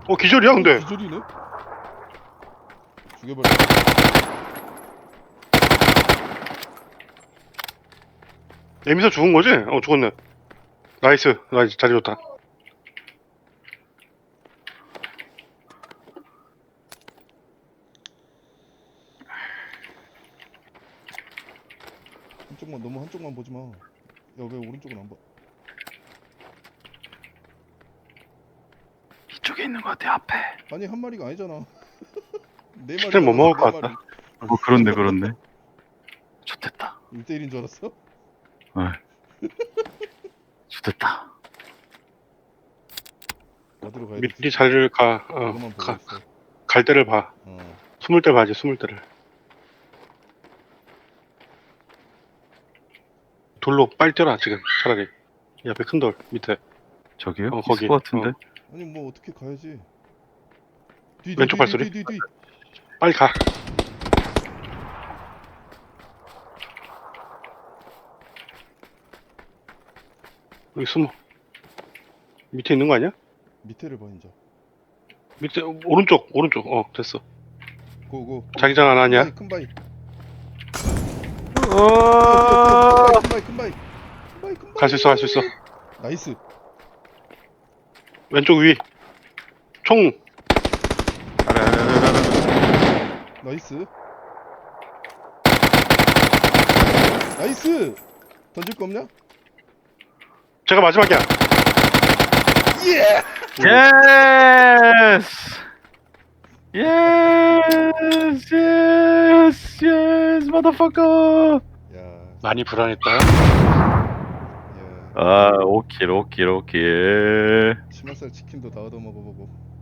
기절이야 근데. 기절이네. 죽여버려. 에미사 죽은 거지? 죽었네. 나이스 자리 좋다. 한쪽만 너무 한쪽만 보지 마. 야 왜 오른쪽은 안 봐? 이쪽에 있는 것 같아 앞에. 아니 한 마리가 아니잖아. 네 마리. 스텝 못 먹을 것 같다. 그렇네. 좋됐다. 1대1인 줄 알았어? 좋됐다. 어디로 가야 되지? 미리 자리를 그것만 보고 있어. 갈 때를 봐. 숨을 때 봐야지, 숨을 때를. 돌로 빨리 뛰어라 지금 차라리. 이 앞에 큰 돌 밑에. 저기요? 거기. 있을 것 같은데. 아니 뭐 어떻게 가야지? 왼쪽 발소리? 뒤. 빨리 가. 여기 숨어. 밑에 있는 거 아니야? 밑에를 봐 이제. 밑에 오른쪽 됐어. 고고. 자기장 안 하냐? 큰 바위. 어. 큰 바위. 갈 수 있어. 나이스. 왼쪽 위. 총. 나이스. 던질 거 없냐? 제가 마지막이야. 예. 예스, motherfucker. 야. 많이 불안했다. 야. 오킬. 치맛살 치킨도 다 얻어 먹어보고.